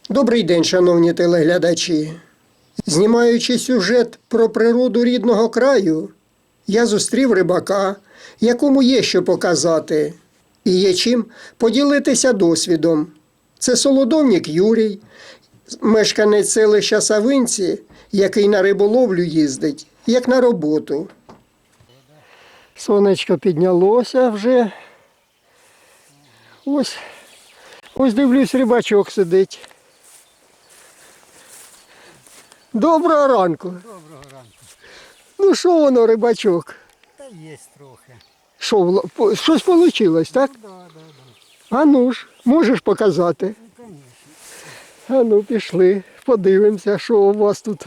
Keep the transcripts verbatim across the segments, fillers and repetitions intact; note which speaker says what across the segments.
Speaker 1: Добрий день, шановні телеглядачі. Знімаючи сюжет про природу рідного краю, я зустрів рибака, якому є що показати, і є чим поділитися досвідом. Це Солодовнік Юрій, мешканець селища Савинці, який на риболовлю їздить, як на роботу. Сонечко піднялося вже. Ось, ось дивлюсь, рибачок сидить. Доброго ранку.
Speaker 2: Доброго ранку.
Speaker 1: Ну що воно, рибачок?
Speaker 2: Та є трохи.
Speaker 1: Що, вла- по- щось вийшло, так?
Speaker 2: Да, да, да.
Speaker 1: А ну ж, можеш показати?
Speaker 2: Ну, звісно.
Speaker 1: А ну, пішли, подивимося, що у вас тут.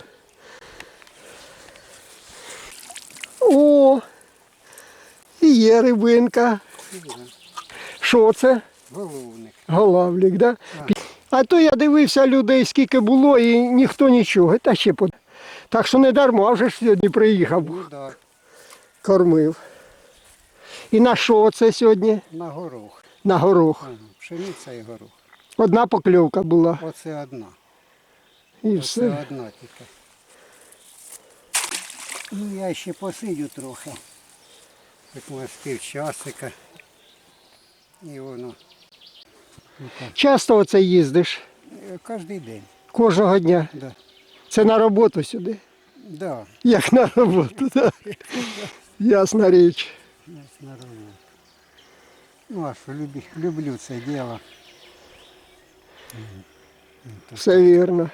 Speaker 1: О, і є рибинка. Що це?
Speaker 2: Головник.
Speaker 1: Голавлік, да? А то я дивився людей, скільки було, і ніхто нічого. Та ще по... Так що не дарма, вже ж сьогодні приїхав,
Speaker 2: Ну так,
Speaker 1: кормив. І на що це сьогодні?
Speaker 2: на горох.
Speaker 1: На горох.
Speaker 2: Ага, пшениця і горох.
Speaker 1: Одна покльовка була.
Speaker 2: Оце одна.
Speaker 1: І
Speaker 2: Оце
Speaker 1: все.
Speaker 2: одна тільки. Ну я ще посидю трохи. Так може з півчасика. І воно. Ну, так.
Speaker 1: Часто оце їздиш?
Speaker 2: Е, Кожний день.
Speaker 1: Кожного дня?
Speaker 2: Да.
Speaker 1: Це на роботу сюди?
Speaker 2: Да.
Speaker 1: Як на роботу, так. Ясна річ.
Speaker 2: Ось на роботу. Ну а що, люблю, люблю це діло.
Speaker 1: Все вірно.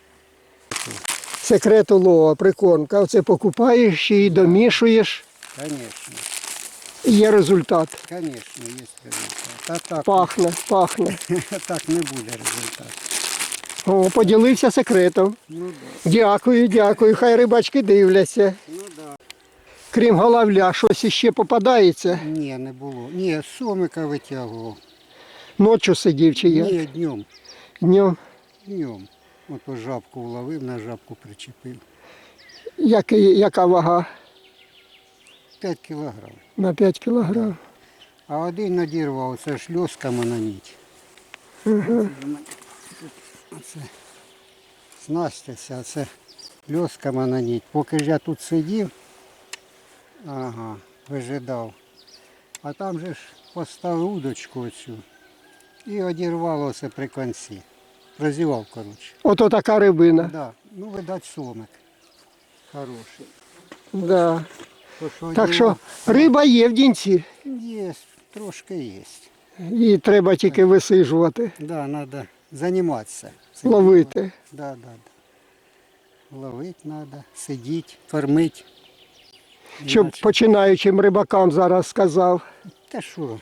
Speaker 1: Секрет улова, прикормка. Оце покупаєш і домішуєш,
Speaker 2: Конечно.
Speaker 1: і є результат.
Speaker 2: Конечно, є результат. А так,
Speaker 1: Пахне, пахне.
Speaker 2: так не буде результату.
Speaker 1: О, поділився секретом.
Speaker 2: Ну да.
Speaker 1: Дякую, дякую. Хай рибачки дивляться.
Speaker 2: Ну да.
Speaker 1: Крім головля, щось іще попадається.
Speaker 2: Ні, не було. Ні, сомика витягував.
Speaker 1: Ночі сидів чи як?
Speaker 2: Ні, днем.
Speaker 1: Днем.
Speaker 2: Днем. Ото жабку вловив, на жабку причепив.
Speaker 1: Який, яка вага?
Speaker 2: п'ять кілограм.
Speaker 1: На п'ять кілограм.
Speaker 2: А один надірвав, це ж льосками на ніть.
Speaker 1: Угу.
Speaker 2: Оце снастяся, а це льосками на ніть. Поки ж я тут сидів, ага, вижидав. А там же ж поставив удочку оцю і одірвалося при кінці. Розівав, коротше.
Speaker 1: Ото така рибина.
Speaker 2: Да. Ну, видать, сомик. Хороший.
Speaker 1: Да.
Speaker 2: То, що
Speaker 1: Так що
Speaker 2: одірвав,
Speaker 1: риба є в дінці.
Speaker 2: є, трошки є.
Speaker 1: Її треба тільки висижувати,
Speaker 2: Да, треба займатися. цим.
Speaker 1: ловити.
Speaker 2: Да, да, да. Ловити треба, сидіти, кормити.
Speaker 1: Щоб
Speaker 2: Іначе-
Speaker 1: починаючим рибакам зараз сказав.
Speaker 2: Та що?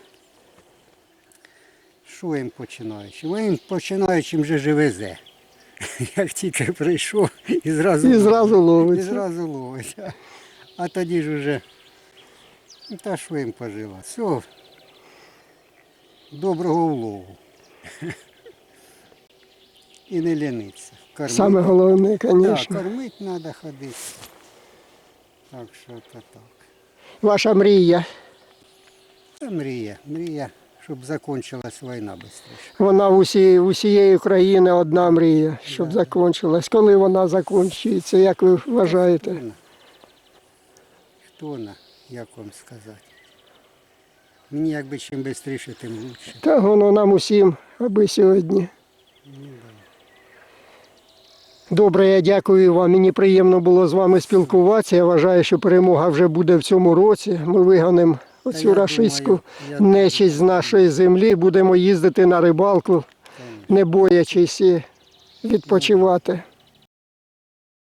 Speaker 2: Що їм починаючим? Їм починаючим вже ж везе. Як тільки прийшов і зразу,
Speaker 1: І зразу ловить.
Speaker 2: І зразу ловить. А- А тоді ж уже, ну, та що їм пожила? Все, доброго улову. І не ліниться. Кормити.
Speaker 1: Саме головне,
Speaker 2: Так,
Speaker 1: звісно.
Speaker 2: кормити треба ходити. Так що то так.
Speaker 1: Ваша мрія.
Speaker 2: Це мрія. Мрія, щоб закінчилась війна швидше.
Speaker 1: Вона в усі, усієї країни одна мрія, щоб
Speaker 2: Да.
Speaker 1: закінчилась. Коли вона закінчується, як ви вважаєте?
Speaker 2: Хто на? Хто на, як вам сказати? Мені якби чим швидше, тим краще.
Speaker 1: Та воно нам усім, аби сьогодні. Добре, я дякую вам. Мені приємно було з вами спілкуватися. Я вважаю, що перемога вже буде в цьому році. Ми вигонимо
Speaker 2: Та
Speaker 1: оцю
Speaker 2: я
Speaker 1: рашистську
Speaker 2: думаю, я
Speaker 1: нечисть з нашої землі. Будемо їздити на рибалку, не боячись і відпочивати.